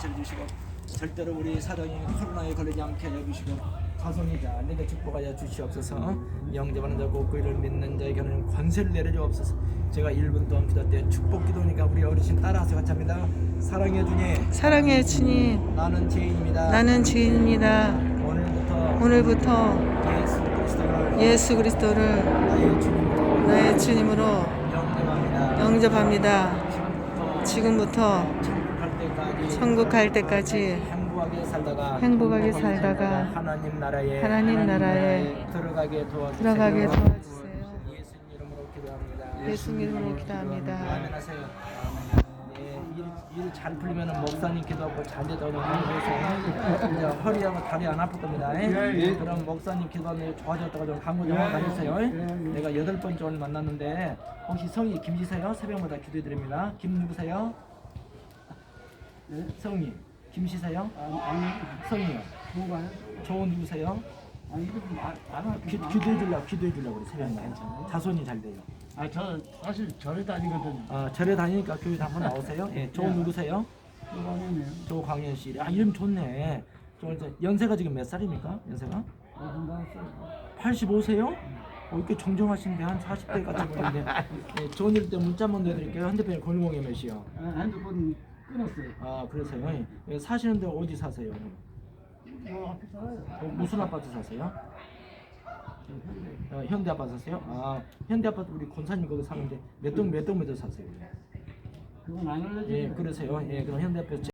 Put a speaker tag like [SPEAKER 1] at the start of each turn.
[SPEAKER 1] 다스려 주시고 절대로 우리 사랑이 코로나에 걸리지 않게 해주시고 자손이 잘 내게 축복하여 주시옵소서. 영접하는 자 곧 그이를 믿는 자에게는 권세를 내려주옵소서. 제가 1분 동안 기도 때 축복 기도니까 우리 어르신 따라서 같이 합니다. 사랑해 주님,
[SPEAKER 2] 사랑해 주님,
[SPEAKER 1] 나는 죄인입니다.
[SPEAKER 2] 나는 죄인입니다. 오늘부터 예수 그리스도를 나의 주님으로 영접합니다. 지금부터 천국 갈 때까지 행복하게 살다가
[SPEAKER 1] 하나님 나라에 들어가게 도와주세요. 예수님 이름으로 기도합니다.
[SPEAKER 2] 예수 이름으로 기도합니다.
[SPEAKER 1] 아멘 하세요. 일 잘 풀리면 목사님 기도하고 잘 되도록 해주세요. 이제 허리하고 다리 안 아플 겁니다. 그럼 목사님 기도하면 좋아졌다고 좀 강구 좀 가주세요. 내가 8번째 오늘 만났는데 혹시 성이 김지세요? 새벽마다 기도해드립니다. 김 누구세요? 성이 김씨세요? 성이요. 좋은 누구세요? 기도해주려고 그래 새벽마다. 자손이 잘 돼요.
[SPEAKER 3] 저 사실 절에 다니거든요.
[SPEAKER 1] 절에 다니니까 교회 한번 나오세요. 예, 조 누구세요?
[SPEAKER 3] 이거네요.
[SPEAKER 1] 조광현 씨. 이름 좋네. 연세가 지금 몇 살입니까? 연세가? 85세요? 이렇게 정정하신데 한 40대 같은 분인데. 예, 좋은 일 때 문자 한번 내드릴게요. 핸드폰이 010에 몇이요?
[SPEAKER 3] 핸드폰 끊었어요.
[SPEAKER 1] 그러세요? 예, 사시는데 어디 사세요?
[SPEAKER 3] 앞에 살아요.
[SPEAKER 1] 무슨 아파트 사세요? 현대 아파트 사세요? 현대 아파트 우리 권사님 거기 사는데 몇 동 사세요?
[SPEAKER 3] 그건 안 알려줘요.
[SPEAKER 1] 예, 그러세요. 예, 그럼 현대 아파트